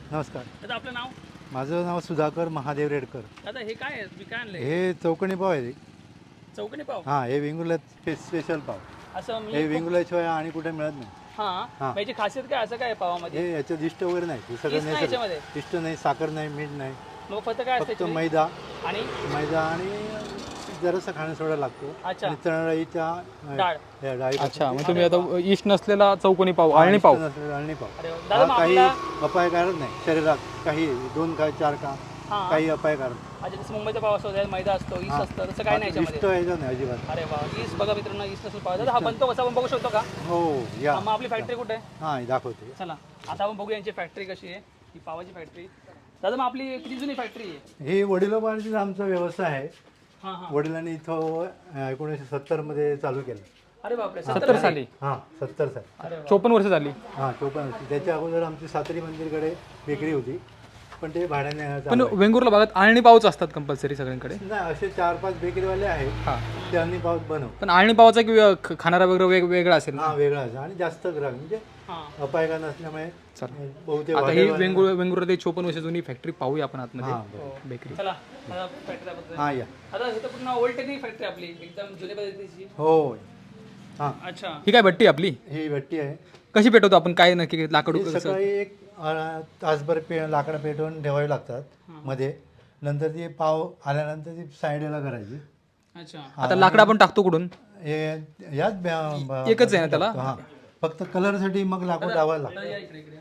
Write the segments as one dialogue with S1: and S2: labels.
S1: नमस्कार.
S2: दादा आपलं नाव?
S1: माझं नाव सुधाकर महादेव रेडकर.
S2: दादा हे काय आहे? तुम्ही काय आणलंय?
S1: हे चौकणी पाव आहे.
S2: चौकणी पाव?
S1: हां, हे वेंगुर्ला स्पेशल पाव.
S2: असं
S1: हे
S2: मी
S1: वेंगुर्ल्याशिवाय आणि कुठे मिळत नाही.
S2: हां
S1: हां.
S2: याची खासियत काय असं काय आहे पावामध्ये?
S1: हे याच्यात इष्ट वगैरे नाही. हे सगळं
S2: यीस्ट नाही याच्यामध्ये?
S1: इष्ट नाही, साखर नाही, मीठ नाही.
S2: मग फक्त काय असतं
S1: फक्त
S2: याच्यामध्ये?
S1: मैदा
S2: आणि
S1: आणि जरासा खाणं सोडा लागतो.
S2: अच्छा.
S1: आणि चणाडाळीच्या
S2: डाळ.
S1: डाळी.
S3: अच्छा, मग तुम्ही आता इष्ट नसलेला चौकोनी पाव, आळणी पाव.
S1: अळणी पाव.
S2: अरे वा. दादा मग
S1: काही
S2: आपला
S1: अपायकारक नाही शरीरात. काही 2 का 4 का
S2: हां.
S1: काही अपायकारक नाही.
S2: अच्छा जसं मुंबईचा पाव असतो त्यात मैदा असतो, ईस्ट
S1: हां.
S2: असतं तसं काय नाही
S1: इष्ट
S2: याच्यामध्ये?
S1: यायचं नाही अजिबात.
S2: अरे वा ईस्ट बघा मित्रांनो ईस्ट नसून पाव. दादा हा बनतो कसा आपण बघू शकतो का?
S1: हो या.
S2: मग आपली फॅक्टरी कुठे आहे?
S1: हां, दाखवते.
S2: चला आता आपण बघूया यांची फॅक्टरी कशी आहे, ही पावाची फॅक्टरी. दादा मग आपली किती जुनी फॅक्टरी आहे?
S1: हे वडिलोपार्जित आमचा व्यवसाय आहे.
S2: हां हां.
S1: वडिलांनी इथं 1970 मध्ये चालू केलं.
S2: अरे बापरे
S3: 70 साली.
S1: हां, 70 साली.
S2: अरे वा.
S3: 54 वर्ष झाली.
S1: हां, 54 होती. त्याच्या अगोदर आमची सातरी मंदिरकडे बेकरी होती, पण ते भाड्याने
S3: पण
S1: चालू आहे.
S3: वेंगुर्ला भागात आळणी पावच असतात कंपल्सरी सगळ्यांकडे.
S1: नाही, असे 4-5 बेकरीवाले आहेत.
S3: हां.
S1: ते अळणी पाव बनव.
S3: पण आळणी पावाचा खाणारा वगैरे वेगवेगळा असेल ना?
S1: हां, वेगळा असं आणि जास्त ग्राहक म्हणजे
S2: हां.
S1: अपायगा नसल्यामुळे
S3: चालेल.
S1: बहुतेक
S3: आता ही
S1: हॉटेलवाले-
S3: वेंगुर्ला ते 54 वर्ष जुनी फॅक्टरी पाहूया आपण आतमध्ये.
S1: हां, बरं.
S3: बेकरी.
S2: चला आता फॅक्टरी
S1: हां, या.
S2: आता हे तर पूर्ण ओल्ड टेक्निक फॅक्टरी आपली एकदम जुन्या पद्धतीची.
S1: हो. हां,
S2: अच्छा
S3: ही काय भट्टी आपली?
S1: ही भट्टी आहे.
S3: कशी पेटवतो आपण? काय नक्की लाकूड
S1: ही
S3: कसं?
S1: सकाळी एक तासभर लाकडं पेटवून ठेवावी लागतात मध्ये. नंतर ती पाव आल्यानंतर ती साईडला करायची.
S2: अच्छा
S3: आता लाकडं आपण टाकतो कुठून?
S1: हे याच
S3: एकच आहे ना त्याला?
S1: हां, फक्त कलरसाठी मग लाकूड लावायला
S2: दादा
S1: लागतं.
S2: या इकडे इकडे.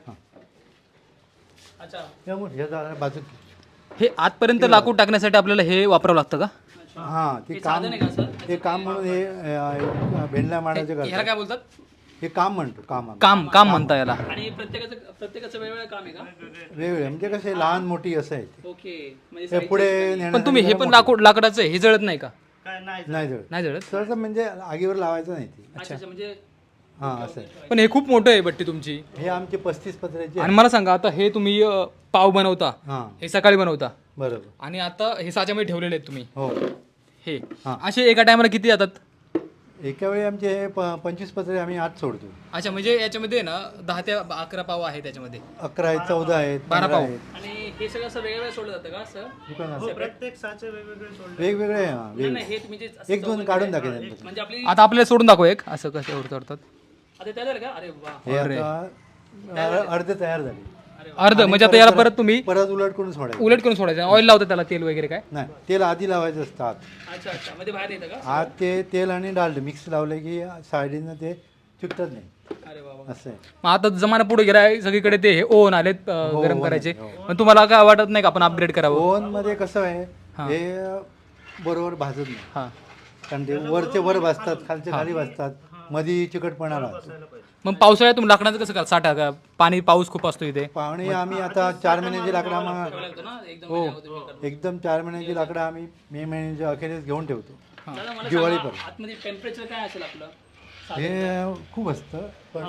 S2: अच्छा
S1: त्यामुळे हे जरा बाजू.
S3: हे आतपर्यंत लाकूड टाकण्यासाठी आपल्याला हे वापरावं लागतं का?
S1: हां, ते
S2: हे
S1: काम
S2: साधन आहे का सर?
S1: हे काम म्हणून हे भेंडल्या मांडायचे
S3: ह्याला
S1: करतात.
S3: काय बोलतात?
S1: हे काम म्हणतो काम आम्ही.
S3: काम म्हणता याला.
S2: आणि प्रत्येकाचं वेगवेगळं काम आहे का?
S1: वेगवेगळे म्हणजे कसे लहान मोठी असं आहे ते.
S2: ओके म्हणजे
S1: हे पुढे
S3: पण
S1: नेण्यासाठी
S3: तुम्ही हे
S1: जरा
S3: पण
S1: मोठं.
S3: लाकडाचं हे जळत नाही का?
S1: नाही जळत.
S3: नाही जळत.
S1: सहसा म्हणजे आगीवर लावायचं नाही ते.
S2: अच्छा अच्छा म्हणजे
S1: हां, असं आहे.
S3: पण हे खूप मोठं आहे भट्टी तुमची.
S1: हे आमचे 35 पत्र्याचे
S3: आणि मला सांगा आता हे तुम्ही पाव बनवता,
S1: हां,
S3: हे सकाळी बनवता
S1: बरोबर.
S3: आणि आता हे साच्यामध्ये ठेवलेले आहेत तुम्ही
S1: हो.
S3: हे
S1: हां.
S3: असे एका टायमाला किती जातात?
S1: एका वेळी आमचे हे 25 पत्रे आम्ही आत सोडतो.
S3: अच्छा म्हणजे याच्यामध्ये ना 10 ते 11 पाव आहे त्याच्यामध्ये.
S1: 11 आहेत, 14 आहेत,
S3: 12
S1: 15
S3: पाव.
S1: आहेत.
S2: आणि हे सगळं असं वेगवेगळं सोडलं जातं का असं?
S1: दुकानात
S4: प्रत्येक साचे वेगवेगळे सोडले.
S1: वेगवेगळे आहे, हां,
S2: नाही
S1: वेगळे.
S2: नाही हे तुम्ही जे असं
S1: एक दोन
S2: चौकोनी
S1: काढून
S2: केलंय,
S1: टाकेल नंतर.
S2: म्हणजे आपली
S3: आता आपल्याला सोडून दाखव एक असं कसं ओढतात.
S2: आता तयार झालं का? अरे वा
S1: हे
S3: अरे.
S1: आता अर्धे तयार झाले.
S2: अरे वा.
S3: अर्ध म्हणजे आता याला परत तुम्ही
S1: परत उलट करून सोडायचं.
S3: उलट करून सोडायचं. ऑइल लावता त्याला तेल वगैरे काय?
S1: नाही, तेल आधी लावायचं असतं आत.
S2: अच्छा अच्छा मध्ये बाहेर येतं का?
S1: आत ते तेल आणि डाळ मिक्स लावलं की साईडीनं ते चिकटत नाही.
S2: अरे वा वा.
S1: असं आहे.
S3: मग आता जमाना पुढे गेला सगळीकडे ते हे ओव्हन आलेत गरम
S1: oven
S3: करायचे.
S1: आहे, हो.
S3: पण तुम्हाला काय वाटत नाही का आपण अपग्रेड करावं?
S1: ओव्हन मध्ये कसं आहे,
S3: हां.
S1: हे बरोबर भाजत नाही.
S3: हां.
S1: कारण ते वरचे वर भाजतात, खालचे खाली भाजतात, मध्ये चिकटपणा राहतो.
S3: मग पावसाळ्यात तुम्ही लाकडाचं कसं करा? साठा का? पाणी पाऊस खूप असतो इथे.
S1: पाहुणे आम्ही आता 4 महिन्याची लाकडं आम्हाला
S2: ठेवावं लागतं ना एकदम
S1: हो
S2: महिन्यावर तुम्ही करता.
S1: एकदम 4 महिन्याची लाकडं आम्ही मे महिन्याच्या अखेरीस घेऊन ठेवतो.
S2: दादा मला
S1: दिवाळी
S2: सांगा,
S1: पर्यंत.
S2: आतमध्ये टेम्परेचर काय असेल आपलं?
S1: हे खूप असतं, पण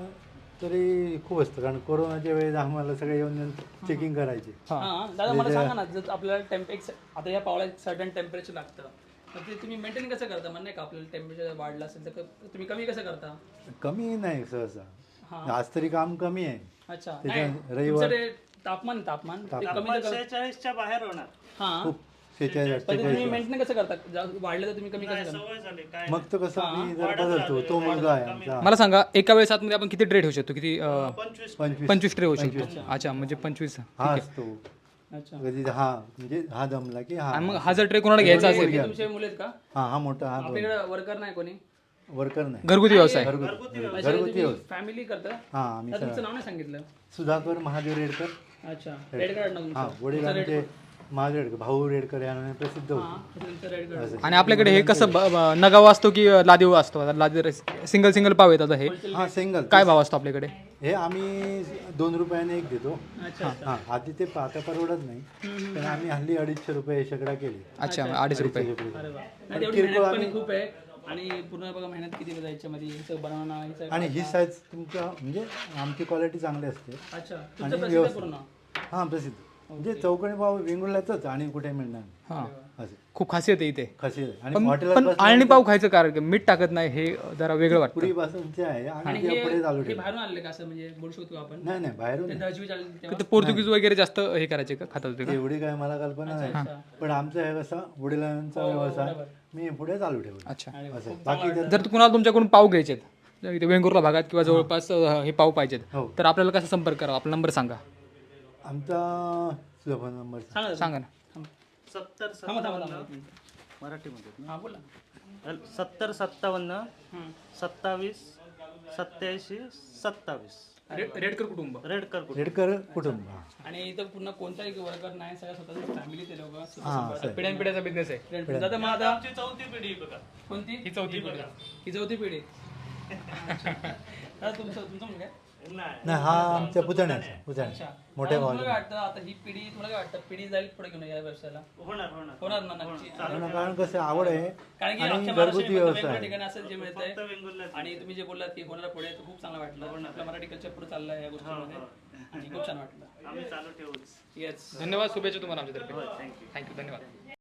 S1: तरी खूप असतं कारण कोरोनाच्या वेळेस आम्हाला सगळे येऊन चेकिंग करायचे.
S2: हां दादा मला सांगा ना जर आपल्याला आता या पावला सर्टन टेम्परेचर लागतं तर ते तुम्ही मेंटेन कसं करता? म्हणजे नाही का आपल्याला टेम्परेचर वाढलं असेल तर तुम्ही कमी कसं करता?
S1: कमी नाही सहसा.
S2: हां.
S1: आज तरी काम कमी आहे.
S2: अच्छा
S1: त्याच्या
S2: नाही
S1: रविवार-
S2: तुमचं ते तापमान ते कमी
S4: 46च्या बाहेर होणार.
S2: हां
S1: खूप 46
S2: पण तुम्ही मेंटेन कसं करता? वाढलं तर तुम्ही कमी कसं करता?
S4: सवय झाली काय
S1: मग तो कसं मी जर बदलतो. तो मुलगा आहे आमचा.
S3: मला सांगा एका वेळेस आतमध्ये आपण किती ट्रे ठेवू शकतो? किती
S4: 25
S3: 25 ट्रे होऊ शकतो. अच्छा म्हणजे 25.
S1: हा असतो
S2: अच्छा
S1: कधी हा म्हणजे हा दमला की हा.
S3: आणि मग हा जर ट्रे कोणाला घ्यायचा असेल
S2: हे तुमचे मुले आहेत का?
S1: हा मोठा हा
S2: आपल्याकडे वर्कर नाही कोणी?
S1: वर्कर नाही.
S3: घरगुती व्यवसाय.
S1: घरगुती
S2: फॅमिली करता?
S1: हा आम्ही
S2: दादा, तुमचं नाव नाही सांगितलं.
S1: सुधाकर महादेव रेडकर.
S2: अच्छा रेड कार्ड नाव
S1: हा
S2: तुमचं.
S1: वडील आमचे महादेव रेडकर, भाऊ रेडकर या नावाने प्रसिद्ध होते.
S2: हां तुमचं रेड कार्ड.
S3: आणि आपल्याकडे हे कसं नगावा असतो की लादीव असतो? आता लादी सिंगल पाव येतात हे.
S1: हा सिंगल.
S3: काय भाव असतो आपल्याकडे?
S1: हे आम्ही 2 रुपयाने एक देतो.
S2: अच्छा
S1: हा आधी ते आता परवडत नाही पण आम्ही हल्ली 250 रुपये शेकडा केली.
S3: अच्छा 250 रुपये.
S2: अरे वा नाही तेवढी मेहनत पण खूप आहे आणि पूर्ण बघा मेहनत किती जायच्या मध्ये हिचं बनवणं हिचं
S1: आणि ही साईज तुमच्या म्हणजे आमची क्वालिटी चांगली असते.
S2: अच्छा
S1: आणि
S2: तुमचं प्रसिद्ध आहे
S1: व्यवस्थित.
S2: पूर्ण.
S1: हा प्रसिद्ध. म्हणजे चौकणी पाव वेंगुर्ल्यातच आणि कुठे मिळणार
S3: हां
S1: असं
S3: खूप खासियत आहे इथे.
S1: खासियत आहे. आणि
S3: पण
S1: हॉटेलात
S3: पण
S1: बसल्यानंतर
S3: आळणी पाव खायचं कारण मीठ टाकत नाही हे जरा वेगळं वाटतं.
S1: पुरीपासूनचे आहे
S2: आणि
S1: आणि ते पुढे चालू
S2: हे
S1: ठेवलं.
S2: बाहेरून आणले का असं म्हणजे बोलू शकतो आपण
S1: नाही नाही बाहेरून
S2: ते
S1: नाही.
S2: दहावी चालली तेव्हा
S3: ते पोर्तुगीज वगैरे जास्त हे करायचे का खात होते का?
S1: एवढी काय मला कल्पना नाही पण आमचं हे कसं वडिलांचा व्यवसाय मी पुढे चालू ठेवला
S3: अच्छा.
S1: असं बाकी
S3: जर कुणाला तुमच्याकडून पाव घ्यायचे इथे वेंगुर्ला भागात किंवा जवळपास हे पाव पाहिजेत
S1: हो.
S3: तर आपल्याला कसा संपर्क करावा? आपला नंबर सांगा.
S1: आमचा तुझा फोन नंबर
S2: सांगा
S3: सांगा ना.
S4: 70 मराठीमध्ये
S2: हां बोला
S4: 70 57 27 87 27
S3: रेडकर कुटुंब.
S4: रेडकर कुठे
S1: रेडकर कुटुंब हा.
S2: आणि इथं पुन्हा कोणताही वर्कर नाही सगळ्या स्वतःची फॅमिली ते लोक
S1: हा सर
S3: पिढ्यानपिढ्याचा बिझनेस आहे.
S2: दादा मग आता
S4: आमची चौथी पिढी बघा
S2: कोणती
S3: ही चौथी पिढी.
S2: ही चौथी पिढी दादा तुमचं मुलगा आहे?
S4: नाही
S1: नाही हा आमच्या पुतण्याचा
S2: अच्छा
S1: मोठ्या
S2: दादा,
S1: भावाचा
S2: तुला काय वाटतं आता ही पिढी तुला काय वाटतं पिढी जाईल पुढे घेऊन या व्यवसायाला
S4: होणार होणार
S2: होणार ना नक्की
S1: कारण कसं आवड आहे
S2: कारण की
S1: आणि
S2: आमच्या
S1: घरगुती
S2: महाराष्ट्रामध्ये
S1: व्यवसाय
S2: वेगवेगळ्या
S1: आहे.
S2: ठिकाणी असं जे मिळतंय
S4: फक्त वेंगुर्ल्यात
S2: आणि तुम्ही जे बोललात की होणारा पुढे तर खूप चांगलं वाटलं आपलं मराठी कल्चर पुढे चाललंय या गोष्टीमध्ये आणि खूप छान वाटलं
S4: आम्ही चालू ठेवूच
S2: येस
S3: धन्यवाद. शुभेच्छा तुम्हाला आमच्यातर्फे.
S4: Thank you
S3: thank you. धन्यवाद.